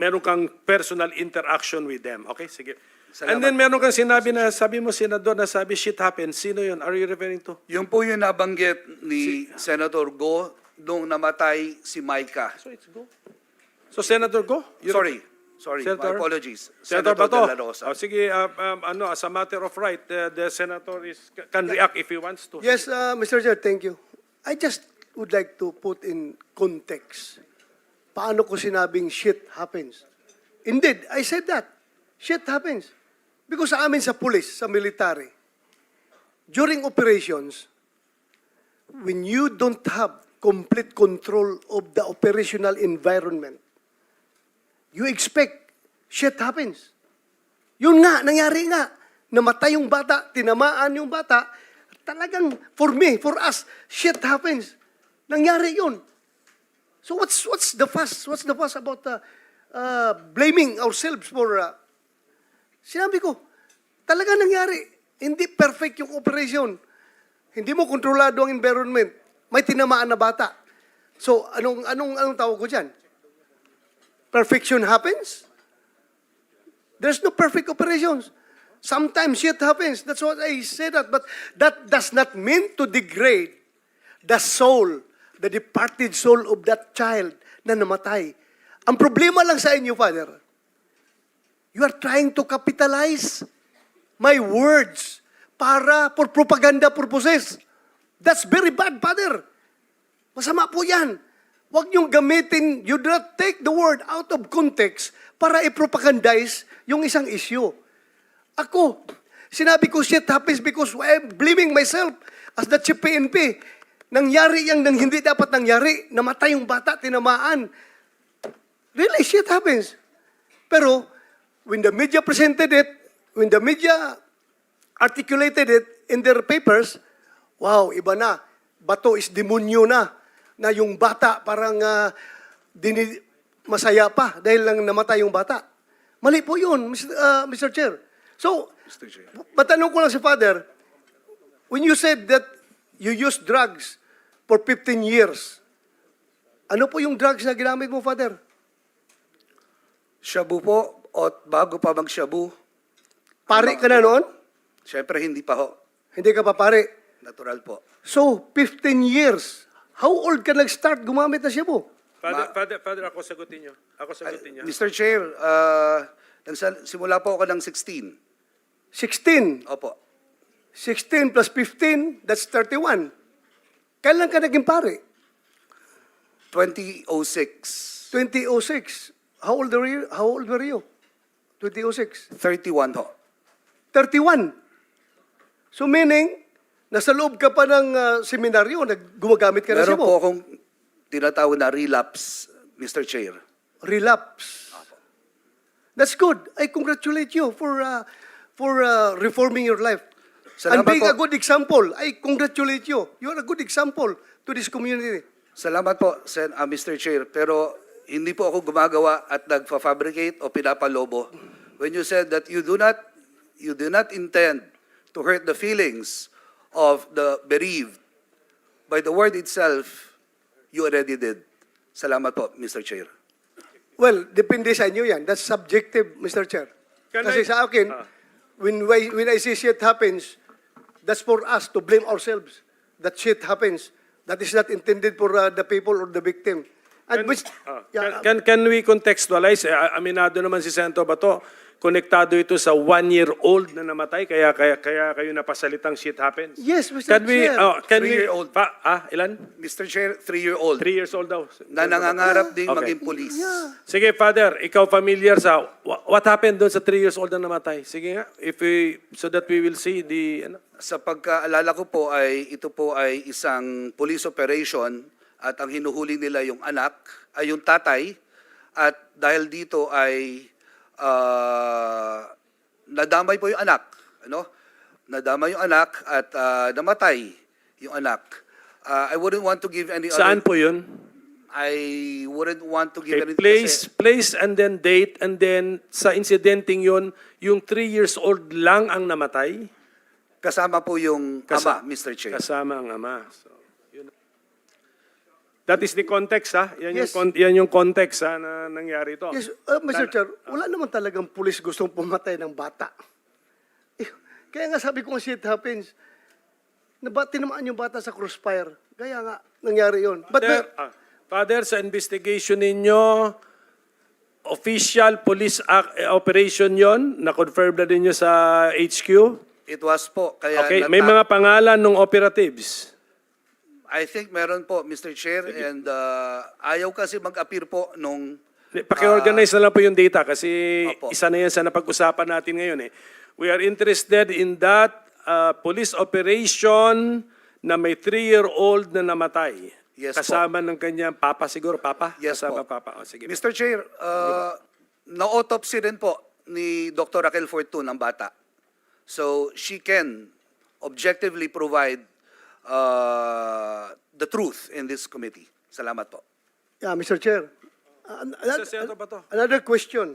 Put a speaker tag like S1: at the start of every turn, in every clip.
S1: meron kang personal interaction with them. Okay, sige.
S2: Salamat.
S1: And then meron kang sinabi na, sabi mo, Senador, na sabi, shit happens. Sino yun? Are you referring to?
S2: Yung po yung nabanggit ni Senator Go nung namatay si Micah.
S1: So it's go. So Senator, go.
S2: Sorry,
S1: Senator?
S2: my apologies.
S1: Senator
S2: De
S1: Bato.
S2: La Rosa.
S1: Oh, sige, as a matter of right, the Senator can react if he wants to.
S3: Yes, Mr. Chair, thank you. I just would like to put in context. Paano ko sinabing shit happens? Indeed, I said that. Shit happens. Because sa amin sa police, sa military, during operations, when you don't have complete control of the operational environment, you expect shit happens. Yun nga, nangyari nga. Namatay yung bata, tinamaan yung bata. Talagang, for me, for us, shit happens. Nangyari yun. So what's the fuss? What's the fuss about blaming ourselves for... Sinabi ko, talaga nangyari. Hindi perfect yung operation. Hindi mo kontrolado ang environment. May tinamaan na bata. So, anong tawag ko dyan? Perfection happens? There's no perfect operations. Sometimes shit happens. That's what I say that. But that does not mean to degrade the soul, the departed soul of that child na namatay. Ang problema lang sa inyo, Father, you are trying to capitalize my words for propaganda purposes. That's very bad, Father. Masama po yan. Huwag niyong gamitin, you do not take the word out of context para i-propagandize yung isang issue. Ako, sinabi ko shit happens because I'm blaming myself as the chief PNP. Nangyari yang nang hindi dapat nangyari. Namatay yung bata, tinamaan. Really, shit happens. Pero, when the media presented it, when the media articulated it in their papers, wow, iba na. Bato is demonyo na yung bata parang masaya pa dahil lang namatay yung bata. Mali po yun, Mr. Chair. So,
S2: Mr. Chair.
S3: matanong ko lang si Father, when you said that you used drugs for 15 years, ano po yung drugs na ginamit mo, Father?
S2: Shabu po, at bago pa mag-shabu.
S3: Pare ka na noon?
S2: Siyempre, hindi pa ho.
S3: Hindi ka pa pare.
S2: Natural po.
S3: So, 15 years. How old ka nag-start gumamit na siya po?
S1: Father, ako sagutin niyo.
S2: Mr. Chair, simula po ako ng 16.
S3: 16.
S2: Opo.
S3: 16 plus 15, that's 31. Kailan ka naging pare?
S2: 2006.
S3: 2006. How old were you? 2006.
S2: 31 ho.
S3: 31. So meaning, nasa loob ka pa ng seminaryo, gumagamit ka na siya
S2: Meron po
S3: mo.
S2: akong tinatawag na relapse, Mr. Chair.
S3: Relapse. That's good. I congratulate you for reforming your life. And
S2: Salamat
S3: being a
S2: po.
S3: good example. I congratulate you. You are a good example to this community.
S2: Salamat po, Mr. Chair. Pero hindi po ako gumagawa at nagfa-fabricate o pinapalobo. When you said that you do not intend to hurt the feelings of the bereaved, by the word itself, you already did. Salamat po, Mr. Chair.
S3: Well, depende sa inyo yan. That's subjective, Mr. Chair. Kasi sa akin, when I see shit happens, that's for us to blame ourselves. That shit happens. That is not intended for the people or the victim. And
S1: Can we contextualize? Aminado naman si Senator Bato, konektado ito sa 1-year-old na namatay, kaya kayo napasalitang shit happens.
S3: Yes, Mr. Chair.
S1: Can we,
S2: 3-year-old.
S1: ilan?
S2: Mr. Chair, 3-year-old
S1: 3 years old daw.
S2: na nangangarap ding
S1: Okay.
S2: maging police.
S1: Sige, Father, ikaw familiar sa what happened doon sa 3 years old na namatay? Sige nga, so that we will see the...
S2: Sa pagkaalala ko po ito po ay isang police operation at ang hinuhuli nila yung anak, ay yung tatay, at dahil dito ay nadamay po yung anak, ano? Nadamay yung anak at namatay yung anak. I wouldn't want to give any
S1: Saan po yun?
S2: I wouldn't want to give
S1: Okay,
S2: any
S1: place and then date, and then sa incidenting yun, yung 3 years old lang ang namatay?
S2: kasama po yung ama, Mr. Chair.
S1: Kasama ang ama. So, That is the context, ha? Yan,
S3: Yes.
S1: yan yung context, ha, na nangyari ito.
S3: Yes, Mr. Chair, wala naman talagang pulis gustong pumatay ng bata. Eh, kaya nga sabi ko nga shit happens. Tinamaan yung bata sa crossfire. Kaya nga, nangyari yun. But
S1: Father, sa investigation ninyo, official police operation yon, na-confirm na ninyo sa HQ?
S2: It was po. Kaya
S1: Okay, may mga pangalan ng operatives.
S2: I think meron po, Mr. Chair, and ayaw kasi mag-appear po nung...
S1: Paki-organize na lang po yung data kasi
S2: Opo.
S1: isa na yan sa napag-usapan natin ngayon. We are interested in that police operation na may 3-year-old na namatay.
S2: Yes po.
S1: Kasama ng kanyang papa siguro, papa?
S2: Yes
S1: Kasama
S2: po.
S1: papa. O, sige.
S2: Mr. Chair, na-autopsy din po ni Dr. Raquel Fortun ang bata. So she can objectively provide the truth in this committee. Salamat po.
S3: yeah, Mr. Chair.
S1: Sa Senator Bato.
S3: Another question.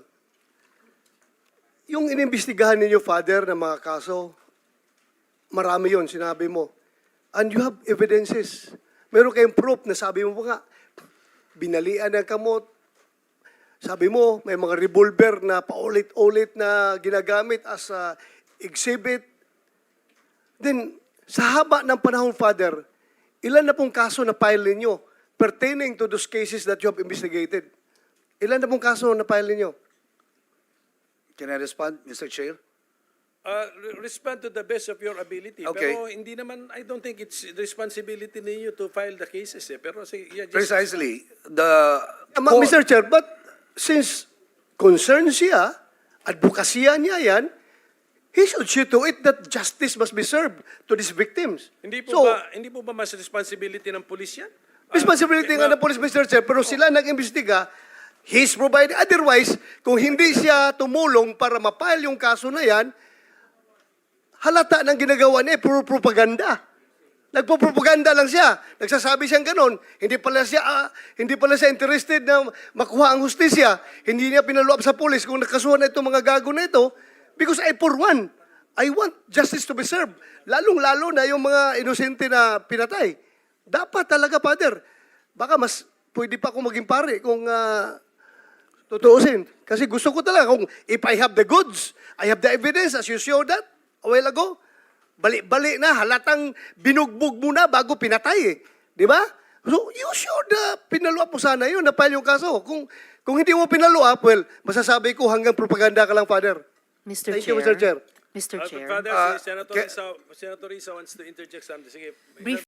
S3: Yung inimbestigahan ninyo, Father, ng mga kaso, marami yon sinabi mo. And you have evidences. Meron kayong proof na sabi mo pa nga, binalian ng kamot. Sabi mo, may mga revolver na paulit-ulit na ginagamit as a exhibit. Then, sa haba ng panahon, Father, ilan na pong kaso na file ninyo pertaining to those cases that you have investigated? Ilan na pong kaso na file ninyo?
S2: Can I respond, Mr. Chair?
S1: Respond to the best of your ability.
S2: Okay.
S1: Pero hindi naman, I don't think it's responsibility ninyo to file the cases. Pero sige, yeah, just,
S2: Precisely.
S3: Mr. Chair, but since concerned siya, advokasya niya yan, he should see to it that justice must be served to these victims.
S1: hindi
S3: So,
S1: po ba mas responsibility ng pulis yan?
S3: responsibility nga ng police, Mr. Chair, pero sila nag-imbestiga, he's provided. Otherwise, kung hindi siya tumulong para mapile yung kaso na yan, halata ng ginagawa niya, puro propaganda. Nagpo-propaganda lang siya. Nagsasabi siyang ganon. Hindi pala siya interested na makuha ang hustisya. Hindi niya pinaluap sa pulis kung nakasuhan na itong mga gago na ito. Because for one, I want justice to be served. Lalong-lalo na yung mga inosente na pinatay. Dapat talaga, Father. Baka mas pwede pa akong maging pare kung tutuusin. Kasi gusto ko talaga kung if I have the goods, I have the evidence as you showed that a while ago. Balik-balik na, halatang binugbog mo na bago pinatay eh. Di ba? So, you should pinaluap mo sana yun, na-file yung kaso. Kung hindi mo pinaluap, well, masasabi ko hanggang propaganda ka lang, Father.
S4: Mr.
S3: Thank
S4: Chair.
S3: you, Mr. Chair.
S4: Mr. Chair.
S1: Father,
S2: Uh,
S1: si Senator
S2: ca-
S1: Risa wants to interject something. Sige.
S4: Brief